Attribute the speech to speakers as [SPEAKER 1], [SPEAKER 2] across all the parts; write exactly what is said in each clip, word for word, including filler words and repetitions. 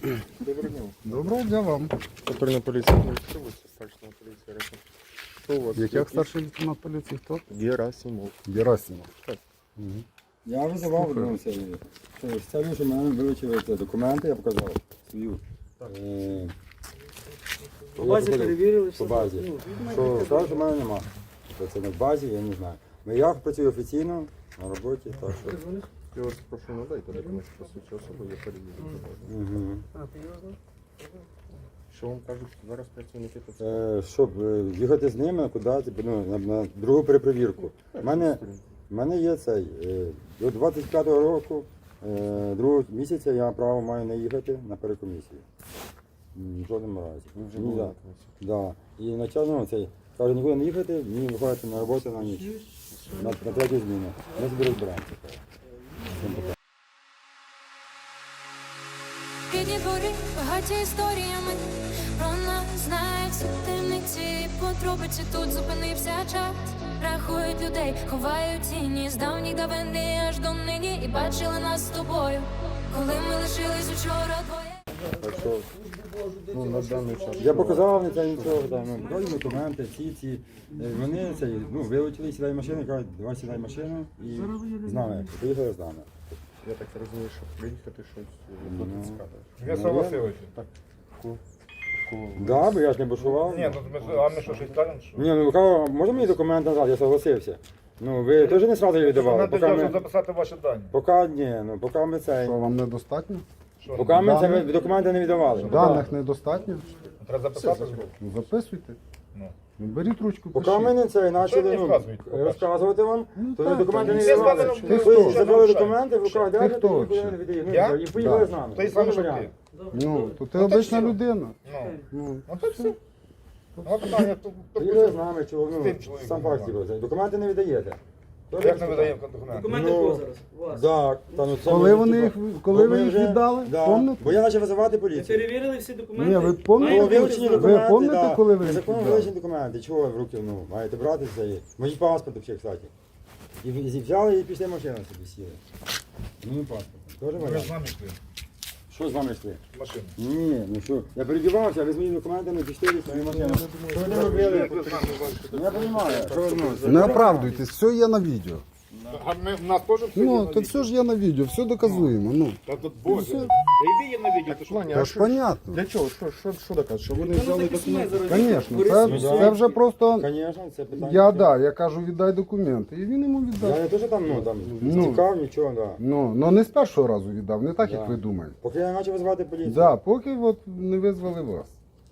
[SPEAKER 1] Доброго дня.
[SPEAKER 2] Доброго дня вам.
[SPEAKER 1] Патрульна поліція вулиця, старшина поліція Река. Що у вас?
[SPEAKER 2] Як як старший лейтенант поліції хто?
[SPEAKER 1] Герасимов.
[SPEAKER 2] Герасимов.
[SPEAKER 1] Так.
[SPEAKER 2] Угу.
[SPEAKER 3] Я визивав одного Сергія. Що з целью, що мене вилучили це документи, я показав свою. Е,
[SPEAKER 4] По базі
[SPEAKER 3] я
[SPEAKER 4] перевірили,
[SPEAKER 3] по базі.
[SPEAKER 4] Ну,
[SPEAKER 3] Що сказав, що в мене нема. Що це не в базі, я не знаю. Ну, я працюю офіційно на роботі, так що.
[SPEAKER 1] Я вас прошу надайте документи про свою особу, я перевірю.
[SPEAKER 3] Угу.
[SPEAKER 4] А, ти його знаєш?
[SPEAKER 1] Що вам кажуть зараз працівники ТЦК?
[SPEAKER 3] Е, щоб е, їхати з ними куди, типу, ну, на, на другу перепровірку. У мене, в мене є цей, е, до двадцять п'ятого року, е, другого місяця я право маю не їхати на перекомісію. М, В жодному разі.
[SPEAKER 1] Ви вже
[SPEAKER 3] Ні,
[SPEAKER 1] були
[SPEAKER 3] да.
[SPEAKER 1] на комісії.
[SPEAKER 3] Да. І начально цей, каже, нікуди не їхати, мені виходити на роботу на ніч. На, на третю зміну. Ми собі розберемося. Всім пока.
[SPEAKER 5] Рідні двори багаті історіями, про нас знають всі темниці, подробиці тут зупинився час. Рахують людей, ховають тіні з давніх давини аж до нині. І бачили нас з тобою, коли ми лишились учора двоє.
[SPEAKER 1] Так що, ну, на даний час.
[SPEAKER 3] Я показав, не це нічого, там, ну, дали документи, ці, ці. Е, Вони цей, ну, вилучили, сідай в машину, кажуть, давай сідай в машину і з нами. Поїхали з нами.
[SPEAKER 1] Я так розумію, що приїхати щось до
[SPEAKER 3] Ну.
[SPEAKER 1] ТЦК.
[SPEAKER 6] Вячеслав
[SPEAKER 3] Ну, я-
[SPEAKER 6] Васильович.
[SPEAKER 1] Так. Ку- ку-
[SPEAKER 3] Да, бо я ж не бушував.
[SPEAKER 6] Ні, ну ми, а ми що, щось кажемо? Що?
[SPEAKER 3] Ні, ну кого, можна мені документ назад, я согласився. Ну, ви теж не сразу її віддавали.
[SPEAKER 6] Нам
[SPEAKER 3] Поки
[SPEAKER 6] треба
[SPEAKER 3] ми,
[SPEAKER 6] записати ваші дані.
[SPEAKER 3] поки, ні, ну, поки ми це,
[SPEAKER 2] Що вам недостатньо?
[SPEAKER 6] Що,
[SPEAKER 3] поки ми це
[SPEAKER 2] Даних?
[SPEAKER 3] ви документи не віддавали.
[SPEAKER 2] Даних недостатньо?
[SPEAKER 6] треба записати збоку?
[SPEAKER 2] Ну, записуйте.
[SPEAKER 6] Ну.
[SPEAKER 2] Ну, беріть ручку,
[SPEAKER 3] Поки
[SPEAKER 2] пишіть.
[SPEAKER 3] ми не це почали
[SPEAKER 6] мені
[SPEAKER 3] ну,
[SPEAKER 6] вказують, по-перше?
[SPEAKER 3] розказувати вам,
[SPEAKER 2] Ну,
[SPEAKER 3] то
[SPEAKER 2] так,
[SPEAKER 3] документи
[SPEAKER 2] так.
[SPEAKER 3] не
[SPEAKER 6] Всі з вами
[SPEAKER 3] віддавали.
[SPEAKER 6] робили,
[SPEAKER 3] Ви
[SPEAKER 6] що
[SPEAKER 3] забрали
[SPEAKER 6] нарушають.
[SPEAKER 3] документи, в руках держите,
[SPEAKER 2] хто
[SPEAKER 3] і нікуди
[SPEAKER 2] вообще?
[SPEAKER 3] не віддаєте.
[SPEAKER 6] Я?
[SPEAKER 3] Ну, і поїхали
[SPEAKER 2] Да.
[SPEAKER 3] з нами.
[SPEAKER 6] Той самий,
[SPEAKER 3] Ну,
[SPEAKER 6] що
[SPEAKER 3] варіант.
[SPEAKER 6] ти.
[SPEAKER 2] Ну, то ти
[SPEAKER 6] Ну, так
[SPEAKER 2] обична
[SPEAKER 6] все.
[SPEAKER 2] людина.
[SPEAKER 6] Ну.
[SPEAKER 2] Ну,
[SPEAKER 6] Ну то все. Ну питання, то, то,
[SPEAKER 3] Поїхали з нами, чого,
[SPEAKER 6] З
[SPEAKER 3] ну,
[SPEAKER 6] тим чоловіком
[SPEAKER 3] сам факт
[SPEAKER 6] нормально.
[SPEAKER 3] цього. Документи не віддаєте.
[SPEAKER 6] як ми видаємо документи?
[SPEAKER 4] Документи
[SPEAKER 3] Ну,
[SPEAKER 4] кого зараз? У вас.
[SPEAKER 3] Так, та, ну, це
[SPEAKER 2] Коли
[SPEAKER 3] ми,
[SPEAKER 2] вони
[SPEAKER 3] типа,
[SPEAKER 2] їх- коли
[SPEAKER 3] бо
[SPEAKER 2] ви
[SPEAKER 3] ми
[SPEAKER 2] їх
[SPEAKER 3] вже-
[SPEAKER 2] віддали?
[SPEAKER 3] Да.
[SPEAKER 2] Помните?
[SPEAKER 3] Бо я почав визивати
[SPEAKER 4] Ви
[SPEAKER 3] поліцію.
[SPEAKER 4] перевірили всі документи?
[SPEAKER 2] Ні, ви помните?
[SPEAKER 3] Ну,
[SPEAKER 4] Маєте
[SPEAKER 3] вилучені
[SPEAKER 4] право?
[SPEAKER 3] документи,
[SPEAKER 2] помните,
[SPEAKER 3] да.
[SPEAKER 2] коли ви їх
[SPEAKER 3] Законом
[SPEAKER 2] віддали?
[SPEAKER 3] вилучені документи. Чого ви в руки ну, маєте брати це? є? Мої паспорт взагалі, кстати. І, і взяли і пішли машину собі сіли. Ну, паспорт. Тоже
[SPEAKER 6] Ми ж з
[SPEAKER 3] варіант.
[SPEAKER 6] нами йшли.
[SPEAKER 3] Що з вами йшли?
[SPEAKER 6] Машину.
[SPEAKER 3] Ні, ну що, я передівався, а ви з моїми документами пішли і свою машину. Що ви не робили?
[SPEAKER 6] Як ви з нами
[SPEAKER 3] Ну, я розумію, що ви ну,
[SPEAKER 2] Не оправдуйтесь, все є на відео.
[SPEAKER 6] А ми, в нас теж все є
[SPEAKER 2] Ну,
[SPEAKER 6] на
[SPEAKER 2] то
[SPEAKER 6] відео?
[SPEAKER 2] все ж є на відео, все доказуємо. Ну,
[SPEAKER 6] Та тут боже.
[SPEAKER 2] все.
[SPEAKER 6] Та йди є на відео, ти що?
[SPEAKER 1] Плані,
[SPEAKER 2] це
[SPEAKER 1] а
[SPEAKER 2] ж
[SPEAKER 1] що-
[SPEAKER 2] понятно.
[SPEAKER 1] Для чого? Що, що, що доказує? Що вони
[SPEAKER 4] Та ну,
[SPEAKER 1] взяли
[SPEAKER 4] так і сумай
[SPEAKER 1] документи?
[SPEAKER 4] зараз.
[SPEAKER 2] Звісно, це,
[SPEAKER 3] Ну,
[SPEAKER 2] це вже просто.
[SPEAKER 3] Звісно, це питання.
[SPEAKER 2] Я да, я кажу, віддай документи. І він йому
[SPEAKER 3] Я
[SPEAKER 2] віддав.
[SPEAKER 3] не теж там, ну, там,
[SPEAKER 2] Ну.
[SPEAKER 3] цікав, нічого, да.
[SPEAKER 2] Ну, ну не з першого разу віддав, не так,
[SPEAKER 3] Да.
[SPEAKER 2] як ви думаєте.
[SPEAKER 3] Поки я не почав визивати поліцію.
[SPEAKER 2] Да, поки от не визвали вас.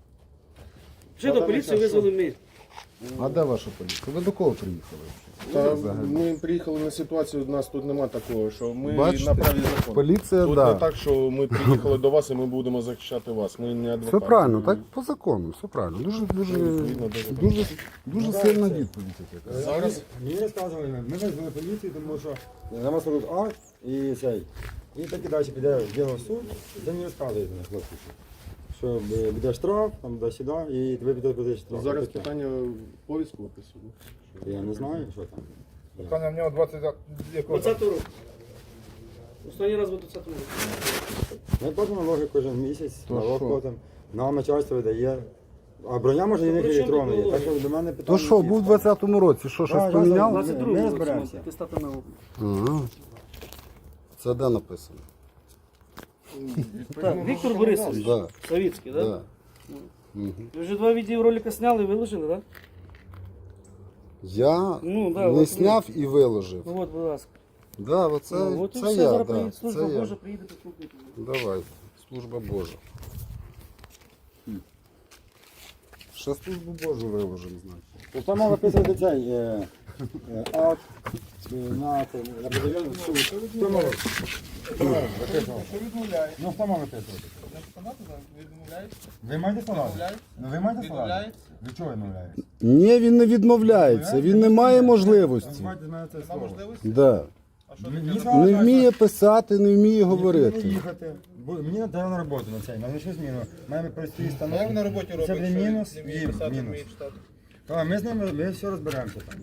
[SPEAKER 4] Вже до поліції визвали ми.
[SPEAKER 2] А де ваша поліція? Ви до кого приїхали?
[SPEAKER 1] Та
[SPEAKER 2] Взагалі.
[SPEAKER 1] ми приїхали на ситуацію, у нас тут нема такого, що ми
[SPEAKER 2] Бачите?
[SPEAKER 1] на праві закону.
[SPEAKER 2] Поліція,
[SPEAKER 1] Тут
[SPEAKER 2] да.
[SPEAKER 1] не так, що ми приїхали до вас і ми будемо захищати вас. Ми не адвокати.
[SPEAKER 2] Все правильно, так по закону, все правильно. Дуже, дуже,
[SPEAKER 1] Відповідно до закону.
[SPEAKER 2] дуже, дуже сильна відповідь. яка.
[SPEAKER 3] Зараз мені розказували, ми визвали поліцію, тому що на вас робить акт і цей. І так і далі піде діло в суд, і це мені розказують на хлопці. Що е, буде штраф, там буде сюди, і тебе піде буде штраф.
[SPEAKER 1] Зараз
[SPEAKER 3] Таке.
[SPEAKER 1] питання повістку виписую.
[SPEAKER 3] Я не знаю, що там.
[SPEAKER 6] Питання в нього двадцять якого?
[SPEAKER 4] двадцятого року. Останній раз був двадцятого року.
[SPEAKER 3] Ми платимо налоги кожен місяць,
[SPEAKER 2] То
[SPEAKER 3] налог
[SPEAKER 2] що?
[SPEAKER 3] платимо, нам начальство видає. А броня може і не
[SPEAKER 4] при чому
[SPEAKER 3] електронна є,
[SPEAKER 4] тут
[SPEAKER 3] так що до мене питання.
[SPEAKER 2] То що,
[SPEAKER 3] є.
[SPEAKER 2] був у двадцятому році, що щось
[SPEAKER 3] Да,
[SPEAKER 2] поміняли?
[SPEAKER 3] я
[SPEAKER 4] двадцять другого
[SPEAKER 3] Ми
[SPEAKER 4] року
[SPEAKER 3] розберемося.
[SPEAKER 4] атестати на облік.
[SPEAKER 2] Ага. Це де написано?
[SPEAKER 4] Так, Віктор Борисович,
[SPEAKER 2] Да,
[SPEAKER 4] Савіцький, так?
[SPEAKER 2] да. Мгм.
[SPEAKER 4] Ви вже два відеоролика зняли і виложили, так?
[SPEAKER 2] Я
[SPEAKER 4] Ну, да,
[SPEAKER 2] не
[SPEAKER 4] от
[SPEAKER 2] зняв і виложив.
[SPEAKER 4] Ну от, будь ласка.
[SPEAKER 2] Да, оце,
[SPEAKER 4] Ну, от і
[SPEAKER 2] це
[SPEAKER 4] все,
[SPEAKER 2] я,
[SPEAKER 4] зараз
[SPEAKER 2] да,
[SPEAKER 4] приїде служба
[SPEAKER 2] це я.
[SPEAKER 4] Божа, приїде послухайте.
[SPEAKER 2] Давай, служба Божа. Ще службу Божу виложимо, значить.
[SPEAKER 3] То там мав виписувати цей е, е, акт е, на це, на батальйон в суд. Хто мав? Хто мав виписувати? Ну, хто мав виписувати? Ви маєте складати? Ну, ви маєте складати? Ви чого відмовляєте?
[SPEAKER 2] Ні, він не відмовляється, він не має можливості.
[SPEAKER 3] Знімайте з мене це слово.
[SPEAKER 2] Да.
[SPEAKER 3] Мені сказали,
[SPEAKER 2] Не
[SPEAKER 3] що-
[SPEAKER 2] вміє писати, не вміє
[SPEAKER 3] Нікуди не
[SPEAKER 2] говорити.
[SPEAKER 3] їхати. Бо мені треба на роботу на цей, на нічну зміну. Маємо прості станок.
[SPEAKER 6] Як на роботі
[SPEAKER 3] Це
[SPEAKER 6] робить,
[SPEAKER 3] буде
[SPEAKER 6] що
[SPEAKER 3] мінус,
[SPEAKER 6] не вміє
[SPEAKER 3] їм
[SPEAKER 6] писати, не
[SPEAKER 3] мінус.
[SPEAKER 6] вміє читати?
[SPEAKER 3] А, ми з ними, ми все розберемося там.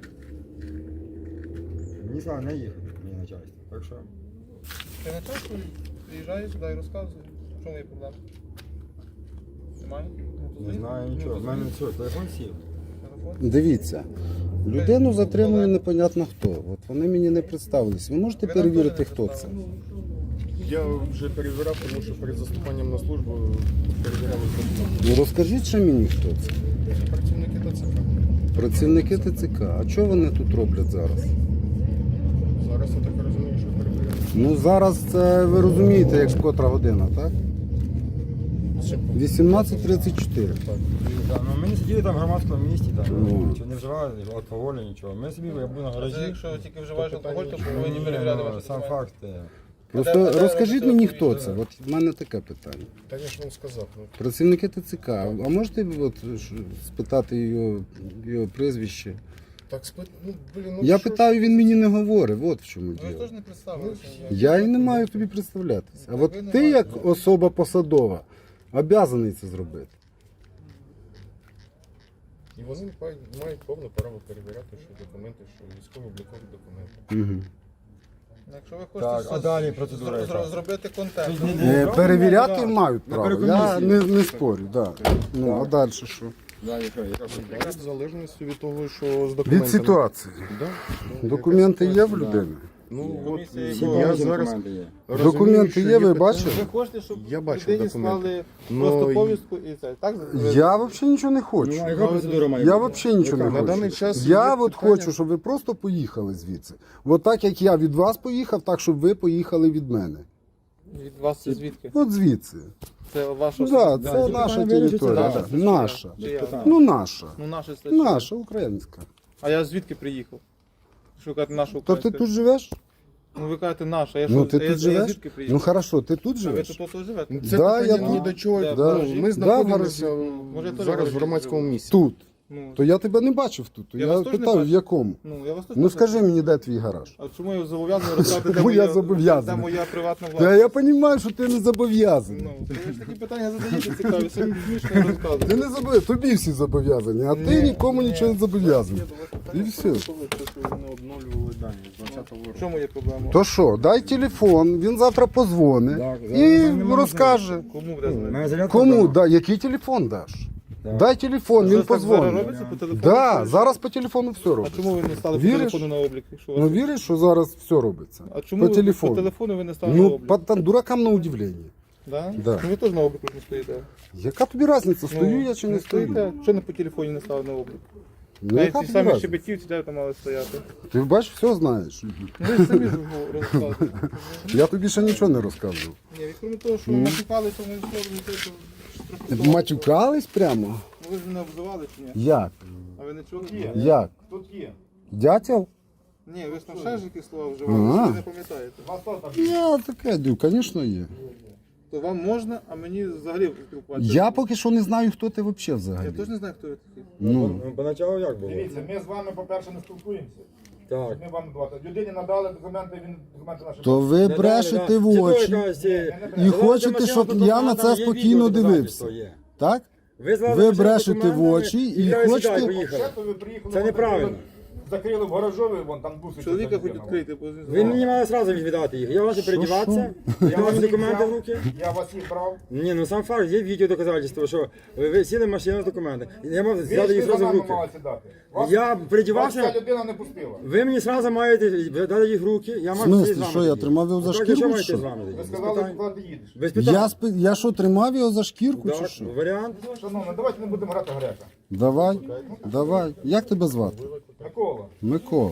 [SPEAKER 3] Мені сказали не їхати, мені начальство. Так що,
[SPEAKER 6] Ти начальство приїжджає сюди і розказує. В чому є проблема? Немає?
[SPEAKER 3] Не знаю нічого. В мене що, телефон сів?
[SPEAKER 2] Дивіться, людину затримує непонятно хто. От вони мені не представились. Ви можете перевірити, хто це?
[SPEAKER 1] Я вже перевіряв, тому що перед заступанням на службу перевіряли документи.
[SPEAKER 2] Ну розкажіть ще мені, хто це.
[SPEAKER 1] Працівники ТЦК.
[SPEAKER 2] Працівники ТЦК. А що вони тут роблять зараз?
[SPEAKER 1] Зараз я так розумію, що перевіряли.
[SPEAKER 2] Ну зараз це ви розумієте, як котра година, так? вісімнадцять тридцять чотири.
[SPEAKER 3] Так, ну, ми не сиділи там в громадському місті, там,
[SPEAKER 2] Ну.
[SPEAKER 3] нічого не вживали, алкоголю, нічого. Ми собі я був на гаражі.
[SPEAKER 6] Якщо тільки вживаєш алкоголь, то
[SPEAKER 3] Ні,
[SPEAKER 6] повинні перевіряти
[SPEAKER 3] ну,
[SPEAKER 6] ваші
[SPEAKER 3] сам
[SPEAKER 6] документи.
[SPEAKER 3] факт. е,
[SPEAKER 2] Просто
[SPEAKER 6] де-
[SPEAKER 2] розкажіть
[SPEAKER 6] де
[SPEAKER 2] мені,
[SPEAKER 6] це
[SPEAKER 2] хто
[SPEAKER 6] відповідно?
[SPEAKER 2] це. От в мене таке питання.
[SPEAKER 1] Та я ж вам сказав. Ну,
[SPEAKER 2] Працівники ТЦК. А можете от, ш- спитати його, його прізвище?
[SPEAKER 1] так спит... ну, блін, ну
[SPEAKER 2] Я
[SPEAKER 1] що
[SPEAKER 2] питаю, він мені не говорить. От в чому
[SPEAKER 6] Ви ж
[SPEAKER 2] діло.
[SPEAKER 6] теж не представилися.
[SPEAKER 2] Я і не маю тобі представлятися. А
[SPEAKER 6] Так
[SPEAKER 2] от
[SPEAKER 6] ви не
[SPEAKER 2] ти,
[SPEAKER 6] маєте.
[SPEAKER 2] як особа посадова, обязаний це зробити.
[SPEAKER 1] І вони мають, мають повне право перевіряти, що документи, що військово-облікові документи.
[SPEAKER 2] Угу.
[SPEAKER 6] Якщо ви
[SPEAKER 3] Так,
[SPEAKER 6] хочете
[SPEAKER 3] а
[SPEAKER 6] з-
[SPEAKER 3] далі
[SPEAKER 6] з-
[SPEAKER 3] процедура
[SPEAKER 6] зро-
[SPEAKER 3] яка?
[SPEAKER 6] зро- зробити контент,
[SPEAKER 3] Ні, ні,
[SPEAKER 2] Е,
[SPEAKER 3] правильно,
[SPEAKER 2] перевіряти
[SPEAKER 3] да.
[SPEAKER 2] мають
[SPEAKER 3] На
[SPEAKER 2] право. Я
[SPEAKER 3] перекомісії.
[SPEAKER 2] не, не спорю. Да. Ну, а далі що?
[SPEAKER 3] Да, яка, яка
[SPEAKER 1] Далі в залежності від того, що з документами.
[SPEAKER 2] Від ситуації.
[SPEAKER 1] Да.
[SPEAKER 2] Документи є в
[SPEAKER 1] Да.
[SPEAKER 2] людини?
[SPEAKER 1] Ну, от,
[SPEAKER 6] Комісія
[SPEAKER 3] Всі
[SPEAKER 1] я
[SPEAKER 3] повністю
[SPEAKER 1] зараз
[SPEAKER 3] документи є.
[SPEAKER 1] розумію,
[SPEAKER 2] Документи
[SPEAKER 1] що
[SPEAKER 2] є, ви
[SPEAKER 1] питання.
[SPEAKER 2] бачили?
[SPEAKER 6] ви хочете, щоб
[SPEAKER 1] Я бачив
[SPEAKER 6] людині
[SPEAKER 1] документи.
[SPEAKER 6] склали
[SPEAKER 1] Ну,
[SPEAKER 6] просто
[SPEAKER 1] і-
[SPEAKER 6] повістку і це, так?
[SPEAKER 2] Я взагалі нічого не хочу.
[SPEAKER 3] Ну, а яка процедура має
[SPEAKER 2] Я
[SPEAKER 3] бути?
[SPEAKER 2] взагалі нічого не
[SPEAKER 1] На
[SPEAKER 2] хочу.
[SPEAKER 1] даний час
[SPEAKER 2] я
[SPEAKER 1] є
[SPEAKER 2] от
[SPEAKER 1] питання-
[SPEAKER 2] хочу, щоб ви просто поїхали звідси. От так як я від вас поїхав, так щоб ви поїхали від мене.
[SPEAKER 6] Від вас це звідки?
[SPEAKER 2] От звідси.
[SPEAKER 6] Це ваша
[SPEAKER 2] Да,
[SPEAKER 3] Да,
[SPEAKER 2] це
[SPEAKER 3] ці
[SPEAKER 2] наша
[SPEAKER 3] питання вирішуються,
[SPEAKER 2] територія.
[SPEAKER 3] да.
[SPEAKER 2] да.
[SPEAKER 6] Це
[SPEAKER 2] Наша.
[SPEAKER 6] Чи я?
[SPEAKER 3] питань.
[SPEAKER 2] Ну наша.
[SPEAKER 6] Ну, наше це.
[SPEAKER 2] Наша, українська.
[SPEAKER 6] А я звідки приїхав? Шукати нашу
[SPEAKER 2] То ти
[SPEAKER 6] українську.
[SPEAKER 2] тут живеш?
[SPEAKER 6] Ну ви кажете наша, я
[SPEAKER 2] Ну
[SPEAKER 6] що,
[SPEAKER 2] ти
[SPEAKER 6] а я,
[SPEAKER 2] тут
[SPEAKER 6] а я
[SPEAKER 2] живеш?
[SPEAKER 6] звідки
[SPEAKER 2] Ну
[SPEAKER 6] приїхав?
[SPEAKER 2] хорошо, ти тут
[SPEAKER 6] А ви
[SPEAKER 2] живеш?
[SPEAKER 6] тут тут живете?
[SPEAKER 1] Це
[SPEAKER 2] Да,
[SPEAKER 1] питання
[SPEAKER 2] я
[SPEAKER 1] ні
[SPEAKER 2] тут.
[SPEAKER 1] до чого.
[SPEAKER 6] Да,
[SPEAKER 1] Ну,
[SPEAKER 6] гаражі.
[SPEAKER 1] ми
[SPEAKER 2] Да,
[SPEAKER 1] знаходимося
[SPEAKER 6] Може, я теж
[SPEAKER 1] зараз в
[SPEAKER 6] гаражі
[SPEAKER 1] громадському
[SPEAKER 6] живу.
[SPEAKER 1] місці.
[SPEAKER 2] Тут.
[SPEAKER 6] Ну,
[SPEAKER 2] То я тебе не бачив тут. То
[SPEAKER 6] Я
[SPEAKER 2] я
[SPEAKER 6] вас теж не
[SPEAKER 2] питав, в
[SPEAKER 6] бачив.
[SPEAKER 2] якому.
[SPEAKER 6] ну, я вас теж
[SPEAKER 2] Ну
[SPEAKER 6] не
[SPEAKER 2] скажи мені, де твій гараж?
[SPEAKER 6] А чому я зобов'язаний розказати, де
[SPEAKER 2] Чому я
[SPEAKER 6] моя,
[SPEAKER 2] зобов'язаний?
[SPEAKER 6] де моя приватна
[SPEAKER 2] Та
[SPEAKER 6] власність?
[SPEAKER 2] я розумію, що ти не зобов'язаний.
[SPEAKER 6] Ну, ви ж такі питання задаєте цікаві, самі смішно розказуєте.
[SPEAKER 2] Ти не зобов'язаний, тобі всі зобов'язані, а ти нікому нічого не зобов'язаний. І все.
[SPEAKER 1] Що ви не обновлювали дані з двадцятого
[SPEAKER 6] В
[SPEAKER 1] року?
[SPEAKER 6] чому є проблема?
[SPEAKER 2] То що, дай телефон, він завтра позвонить
[SPEAKER 3] Так,
[SPEAKER 2] і
[SPEAKER 3] зараз нема
[SPEAKER 2] розкаже.
[SPEAKER 6] Кому буде
[SPEAKER 3] У
[SPEAKER 6] знати?
[SPEAKER 3] мене зарядка
[SPEAKER 2] Кому?
[SPEAKER 3] вдома.
[SPEAKER 2] Да, який телефон даш?
[SPEAKER 3] Так.
[SPEAKER 2] Дай телефон, він
[SPEAKER 6] Зараз так зараз
[SPEAKER 2] позвонить.
[SPEAKER 6] робиться по телефону?
[SPEAKER 2] Да,
[SPEAKER 6] Чи-
[SPEAKER 2] зараз по телефону все
[SPEAKER 6] А
[SPEAKER 2] робиться.
[SPEAKER 6] чому ви не стали по
[SPEAKER 2] Віриш?
[SPEAKER 6] телефону на облік? Якщо у
[SPEAKER 2] Ну
[SPEAKER 6] вас-
[SPEAKER 2] віриш, що зараз все робиться?
[SPEAKER 6] А чому
[SPEAKER 2] по
[SPEAKER 6] ви
[SPEAKER 2] телефону.
[SPEAKER 6] по телефону ви не стали на
[SPEAKER 2] Ну,
[SPEAKER 6] облік?
[SPEAKER 2] по, там, дуракам на удивлення.
[SPEAKER 6] Да?
[SPEAKER 2] Да.
[SPEAKER 6] Ну ви теж на обліку не стоїте.
[SPEAKER 2] Яка тобі різниця, стою
[SPEAKER 6] Ну,
[SPEAKER 2] я чи не стою?
[SPEAKER 6] стоїте? Що не по телефоні не стали на облік?
[SPEAKER 2] Ну,
[SPEAKER 6] Навіть
[SPEAKER 2] яка
[SPEAKER 6] ті
[SPEAKER 2] тобі
[SPEAKER 6] самі
[SPEAKER 2] різниця?
[SPEAKER 6] щебетівці де там мали стояти.
[SPEAKER 2] Ти бачиш, все знаєш.
[SPEAKER 6] Ну ви самі ж розказуєте.
[SPEAKER 2] Я тобі ще нічого не розказував.
[SPEAKER 6] Ні, і крім того, що ми матюкалися, ми все це трохи.
[SPEAKER 2] Матюкались прямо?
[SPEAKER 6] Ну ви ж мене обзивали чи ні?
[SPEAKER 2] Як?
[SPEAKER 6] А ви не чули?
[SPEAKER 2] Як?
[SPEAKER 6] Тут є.
[SPEAKER 2] Дятел?
[SPEAKER 6] Ні, ви ж там ще ж якісь слова вживали,
[SPEAKER 2] Ага.
[SPEAKER 6] ви не пам'ятаєте.
[SPEAKER 2] Я таке, дю, звісно, є.
[SPEAKER 6] То вам можна, а мені взагалі спілкуватися.
[SPEAKER 2] Я поки що не знаю, хто ти взагалі
[SPEAKER 6] Я
[SPEAKER 2] взагалі.
[SPEAKER 6] теж не знаю, хто ви такі.
[SPEAKER 2] Ну,
[SPEAKER 3] Ну, поначалу як було?
[SPEAKER 6] Дивіться, ми з вами, по-перше, не спілкуємося.
[SPEAKER 3] Так.
[SPEAKER 6] Ми вам давати. Людині надали документи, він документи наші.
[SPEAKER 2] то ви брешете в очі і хочете, щоб я на це спокійно дивився. Так? Ви брешете в очі і хочете.
[SPEAKER 6] ви приїхали,
[SPEAKER 3] Це неправильно.
[SPEAKER 6] закрили в гаражові, вон там буси. Чоловіка хоч відкрити, бо
[SPEAKER 3] Ви мені мали одразу віддати їх. Я ваші передіватися, я ваші документи в руки.
[SPEAKER 6] Я вас їх брав.
[SPEAKER 3] Ні, ну сам факт, є відео доказательство, що ви, ви сіли в машину з документами. Я мав взяти їх одразу в руки. Я передівався,
[SPEAKER 6] людина не пустила.
[SPEAKER 3] ви мені одразу маєте дати їх в руки, я
[SPEAKER 2] В
[SPEAKER 3] мав
[SPEAKER 2] смислі,
[SPEAKER 3] сидіти з вами
[SPEAKER 2] що, я
[SPEAKER 3] тоді.
[SPEAKER 2] тримав його за
[SPEAKER 3] А так,
[SPEAKER 2] шкірку,
[SPEAKER 3] що
[SPEAKER 2] чи
[SPEAKER 3] маєте
[SPEAKER 2] що?
[SPEAKER 3] з вами тоді?
[SPEAKER 6] Ви
[SPEAKER 3] Без
[SPEAKER 6] сказали,
[SPEAKER 3] питань.
[SPEAKER 6] куди ти їдеш.
[SPEAKER 3] Без питань.
[SPEAKER 2] Я, спи- я що, тримав його за шкірку чи
[SPEAKER 3] Так,
[SPEAKER 2] що?
[SPEAKER 3] варіант.
[SPEAKER 6] Шановні, давайте не будемо грати гаряча.
[SPEAKER 2] Давай, давай. Як тебе звати?
[SPEAKER 6] Микола.
[SPEAKER 2] Микола.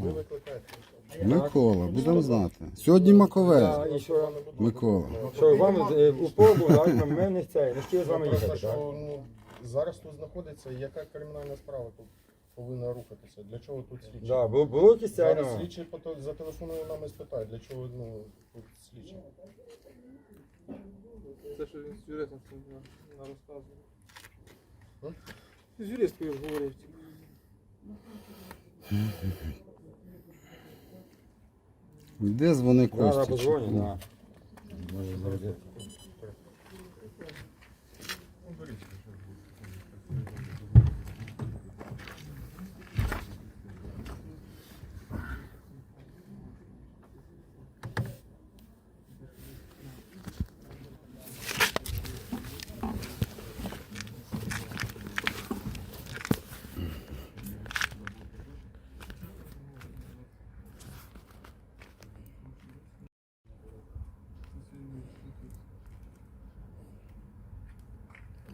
[SPEAKER 2] Микола, будемо знати. Сьогодні Макове.
[SPEAKER 3] І що,
[SPEAKER 2] Микола.
[SPEAKER 3] що вам е, у побу, так, ми не це, не хотіли з вами їхати, так?
[SPEAKER 1] Що, ну, зараз тут знаходиться, яка кримінальна справа тут повинна рухатися? Для чого тут слідчі?
[SPEAKER 3] Да, було, було якісь це,
[SPEAKER 1] Зараз
[SPEAKER 3] ну,
[SPEAKER 1] слідчі пото- зателефонує нам і спитає, для чого ну, тут слідчі.
[SPEAKER 6] Це що він з юристом розказував. З юристкою ж говорив.
[SPEAKER 2] Де дзвони
[SPEAKER 3] да, да,
[SPEAKER 2] Кості?
[SPEAKER 3] позвоню, да. Може, зараз.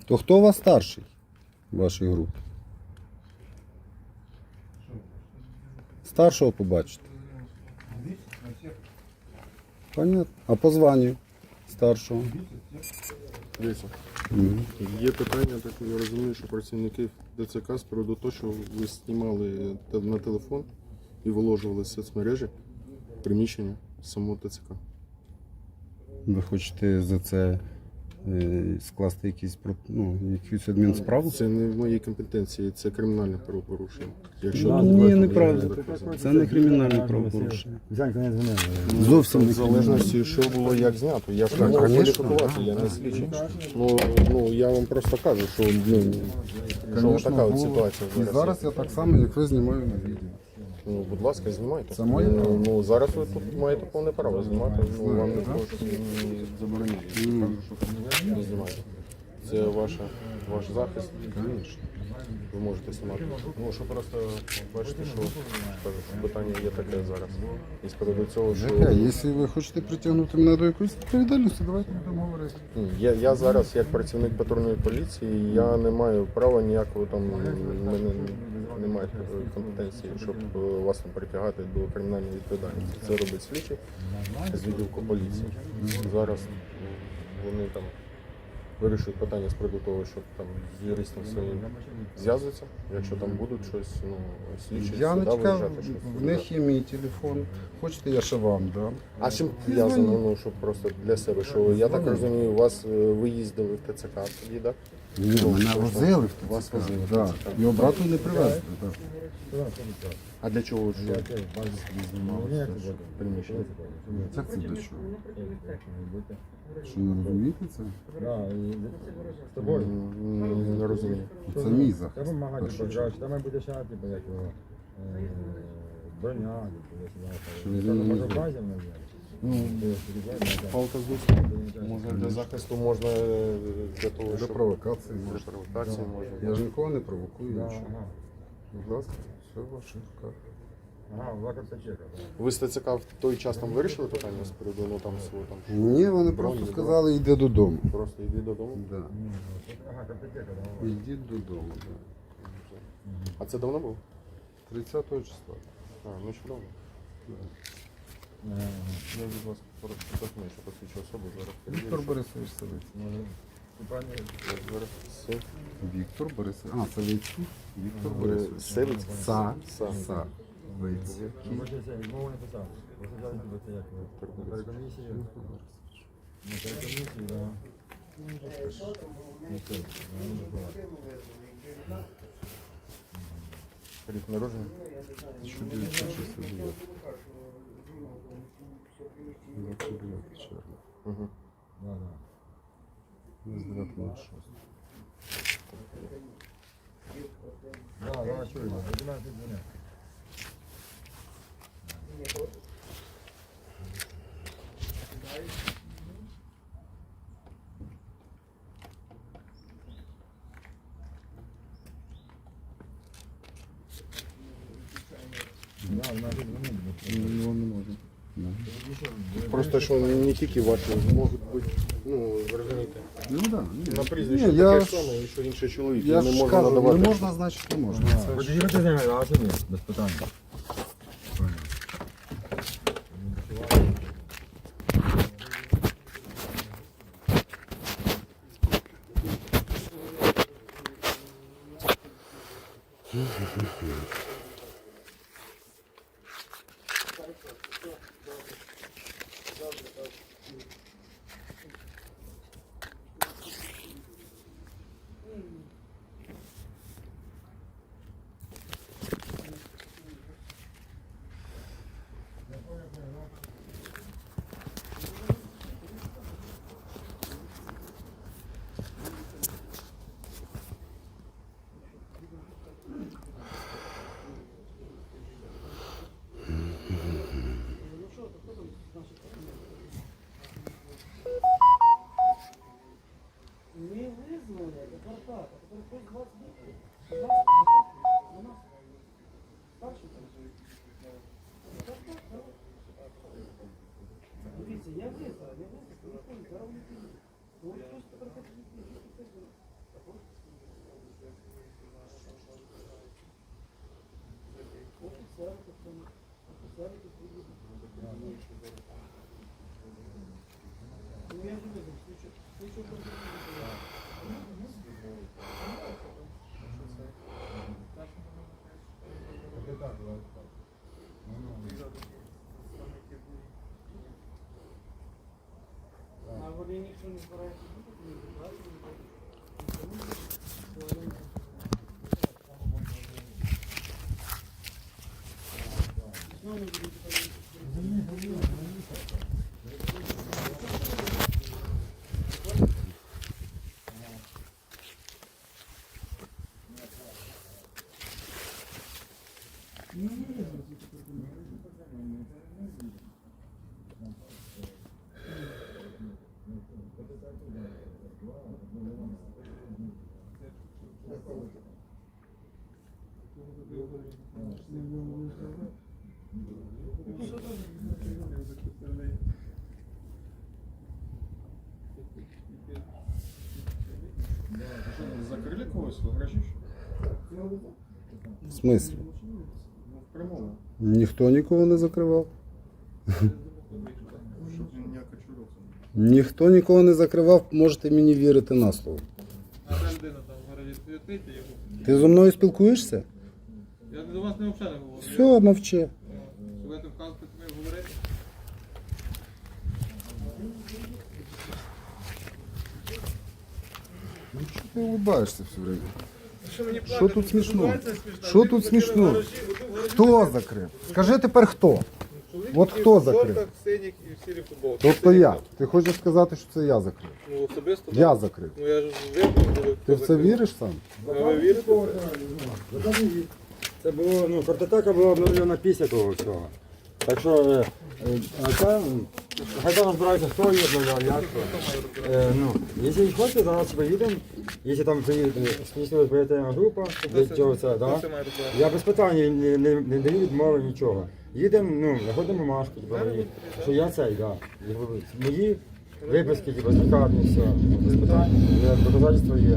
[SPEAKER 2] То хто у вас старший в вашій групі? Старшого побачите. Понятно. А по званню старшого?
[SPEAKER 1] Дивіться,
[SPEAKER 2] Мгм.
[SPEAKER 1] є питання, так я розумію, що працівники ДЦК з приводу того, що ви знімали те- на телефон і виложували в соцмережі приміщення самого ТЦК.
[SPEAKER 2] Ви хочете за це е, скласти якісь, про- ну, якусь адмінсправу?
[SPEAKER 1] Це не в моїй компетенції, це кримінальне правопорушення. Якщо
[SPEAKER 2] Ну,
[SPEAKER 1] тут
[SPEAKER 2] ні,
[SPEAKER 1] ви-
[SPEAKER 2] неправда.
[SPEAKER 1] ви-
[SPEAKER 2] Це не кримінальне правопорушення.
[SPEAKER 3] Зянька не дзвонив.
[SPEAKER 2] Зовсім
[SPEAKER 1] в
[SPEAKER 2] не
[SPEAKER 1] залежності, що було як знято. Я ж не можу кваліфікувати, я не слідчий. Ну, ну я вам просто кажу, що ну, що така от ситуація
[SPEAKER 2] І
[SPEAKER 1] зараз.
[SPEAKER 2] зараз я так само, як ви, знімаю на відео.
[SPEAKER 1] Ну, будь ласка, знімайте.
[SPEAKER 2] Це моє
[SPEAKER 1] ну,
[SPEAKER 2] право.
[SPEAKER 1] ну, зараз ви тут маєте повне право знімати. Ну, вам не забороняє. Не знімайте. Це ваша, ваш захист. Ви можете знімати. Ну, що просто бачите, що кажу, що питання є таке зараз. І з приводу цього, що
[SPEAKER 2] Жека, якщо ви хочете притягнути мене до якоїсь відповідальності, давайте будемо говорити.
[SPEAKER 1] ну, я, я зараз, як працівник патрульної поліції, я не маю права ніякого там, в мене немає такої компетенції, щоб е, вас там притягати до кримінальної відповідальності. Це робить слідчий з відділку поліції. Зараз вони там вирішують питання з приводу того, щоб там з юристом своїм зв'язуються, якщо там будуть щось, ну, слідчі,
[SPEAKER 2] Я не
[SPEAKER 1] сюди
[SPEAKER 2] чекав,
[SPEAKER 1] виїжджати, щось.
[SPEAKER 2] в них є мій телефон. Хочете, я ще вам дам.
[SPEAKER 1] А з чим зв'язано, ну, щоб просто для себе, що я так розумію, у вас е, ви їздили в ТЦК тоді, так?
[SPEAKER 2] Ні, мене возили в
[SPEAKER 1] Вас
[SPEAKER 2] ТЦК.
[SPEAKER 1] возили в
[SPEAKER 2] Да.
[SPEAKER 1] ТЦК.
[SPEAKER 2] І обратно не привезли. Да.
[SPEAKER 1] А для чого ж знімалося приміщення?
[SPEAKER 2] Як це до чого? Що не розумієте це?
[SPEAKER 1] М, Не розумію.
[SPEAKER 2] Це мій захист.
[SPEAKER 7] Треба
[SPEAKER 2] в
[SPEAKER 7] вимагати
[SPEAKER 2] першу чергу.
[SPEAKER 7] програш, там буде ще, типу, як його, е, броня, типу,
[SPEAKER 2] Що
[SPEAKER 7] якщо
[SPEAKER 2] ви
[SPEAKER 7] я
[SPEAKER 2] не
[SPEAKER 7] може
[SPEAKER 2] знаєте?
[SPEAKER 7] базів не
[SPEAKER 1] Ну, палка з духу. Можна для захисту, можна е, для того,
[SPEAKER 2] Для
[SPEAKER 1] щоб
[SPEAKER 2] провокації
[SPEAKER 1] для
[SPEAKER 2] можна.
[SPEAKER 1] провокації можна.
[SPEAKER 2] Я ж нікого не провокую. нічого.
[SPEAKER 7] Ага,
[SPEAKER 2] Будь ласка, все в ваших руках.
[SPEAKER 7] ага, лакомця чека.
[SPEAKER 1] Ви з ТЦК в той час там вирішили питання з приводу, ну там свого там?
[SPEAKER 2] Ні, вони
[SPEAKER 1] броні,
[SPEAKER 2] просто
[SPEAKER 1] да?
[SPEAKER 2] сказали, йди додому.
[SPEAKER 1] Просто йди додому.
[SPEAKER 2] Да.
[SPEAKER 7] Ага, картотека, да.
[SPEAKER 2] Йдіть додому. Да.
[SPEAKER 1] А це давно було?
[SPEAKER 2] тридцятого числа.
[SPEAKER 1] А, ну чудово. Я від вас просто документ, що посвідчу особу зараз.
[SPEAKER 2] Віктор
[SPEAKER 1] перевірю,
[SPEAKER 2] Борисович Савицький.
[SPEAKER 1] що зараз все.
[SPEAKER 2] Віктор Борисович. А, Савицький. Віктор
[SPEAKER 1] Е,
[SPEAKER 2] Борисович.
[SPEAKER 1] Савицький?
[SPEAKER 2] Са.
[SPEAKER 1] Са.
[SPEAKER 2] Са. Вицький.
[SPEAKER 7] Вибачте, відмову не писав. Просто взяли себе це як його. На перекомісію. На перекомісію, да. Ну, все, ну, не забувайте.
[SPEAKER 1] Рік народження.
[SPEAKER 2] тисяча дев'ятсот шістдесят дев'ятий. двадцять дев'ятого червня.
[SPEAKER 1] Угу.
[SPEAKER 7] Да, да.
[SPEAKER 2] двадцять дев'ятого шостого.
[SPEAKER 7] Да, да, чую, одинадцять днів. Да, одинадцять днів.
[SPEAKER 2] Його не можна. Да.
[SPEAKER 1] Просто що не тільки ваші можуть бути, ну ви розумієте,
[SPEAKER 2] Ну да. Ні.
[SPEAKER 1] на прізвище
[SPEAKER 2] Ні, я
[SPEAKER 1] таке
[SPEAKER 2] ж-
[SPEAKER 1] саме, і що інший чоловік,
[SPEAKER 2] Я
[SPEAKER 1] не
[SPEAKER 2] ж
[SPEAKER 1] можна
[SPEAKER 2] кажу,
[SPEAKER 1] надавати.
[SPEAKER 2] не можна, значить не можна. Це ж-
[SPEAKER 7] Подивіться з ними, а собі, без питань.
[SPEAKER 4] Дивіться, я визнав, я визнав, телефон, зараз вони підуть. Ну, ось хтось тепер хоче відповідати.
[SPEAKER 1] Закрили когось в гаражі?
[SPEAKER 2] В смислі?
[SPEAKER 1] Ну, в прямому.
[SPEAKER 2] Ніхто нікого не закривав.
[SPEAKER 1] Щоб ніяка чурок.
[SPEAKER 2] Ніхто нікого не закривав, можете мені вірити на слово.
[SPEAKER 6] А та людина там в гаражі стоїть, його.
[SPEAKER 2] Ти зі мною спілкуєшся?
[SPEAKER 6] Я до вас не взагалі не говорю.
[SPEAKER 2] Все, мовчи.
[SPEAKER 6] Що будете вказувати, ми говорити?
[SPEAKER 2] Ну чого ти улыбаєшся все время?
[SPEAKER 6] Що мені
[SPEAKER 2] Що тут смішно? Що тут смішно? Хто закрив? Скажи тепер хто? От хто закрив?
[SPEAKER 6] Синік і в сірій футболці.
[SPEAKER 2] Тобто я. Ти хочеш сказати, що це я закрив?
[SPEAKER 6] Ну, особисто.
[SPEAKER 2] Я закрив.
[SPEAKER 6] Ну, я ж вирішив.
[SPEAKER 2] Ти в це віриш сам?
[SPEAKER 6] А ви вірите?
[SPEAKER 3] Це було, ну, картотека була обновлена після того всього. Так що, е, е, а це, м, хай там розбираються, хто її обновляв, як то. Е, ну, якщо хочете, зараз поїдемо, якщо там приїде слідчо оперативна група, для цього це, да?
[SPEAKER 6] Це має робити.
[SPEAKER 3] Я без питань не, не, не даю відмови, нічого. Їдемо, ну, знаходимо бумажку, типу, мої, що я цей, да. Якби мої виписки, типу, з лікарні, все. Без питань, є, доказательства є.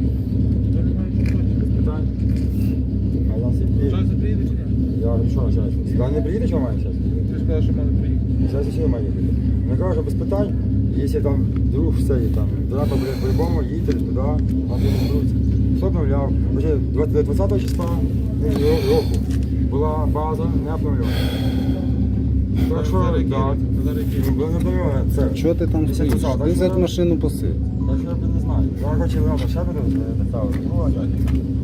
[SPEAKER 3] Без питань. А я собі...
[SPEAKER 6] Що це приїде чи ні?
[SPEAKER 3] Я що зараз? Сюди не приїде, що має зараз?
[SPEAKER 6] Ти ж сказав, що мали приїхати.
[SPEAKER 3] Зараз ще має бути. Я кажу, що без питань, якщо там друг все, і там, треба буде по-любому їдьте туди, вам не беруть. Хто обновляв? Вже двадцятого числа ну, року була база не обновлена. Так що,
[SPEAKER 6] Зараз
[SPEAKER 3] так,
[SPEAKER 6] які?
[SPEAKER 3] ну, була не обновлена, це.
[SPEAKER 2] Що ти там стоїш? Ти за машину посидь.
[SPEAKER 3] Так що я не знаю. Я хочу, ладно, ще буду доставити. Ну, а як?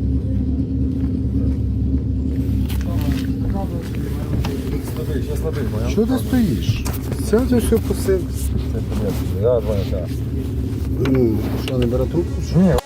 [SPEAKER 3] Слабий, ще слабий, бо я...
[SPEAKER 2] Що ти стоїш? Сядь ось все посидь.
[SPEAKER 3] Це понятно. Я два, так.
[SPEAKER 2] Ну, що, не бере трубку?
[SPEAKER 3] Ні,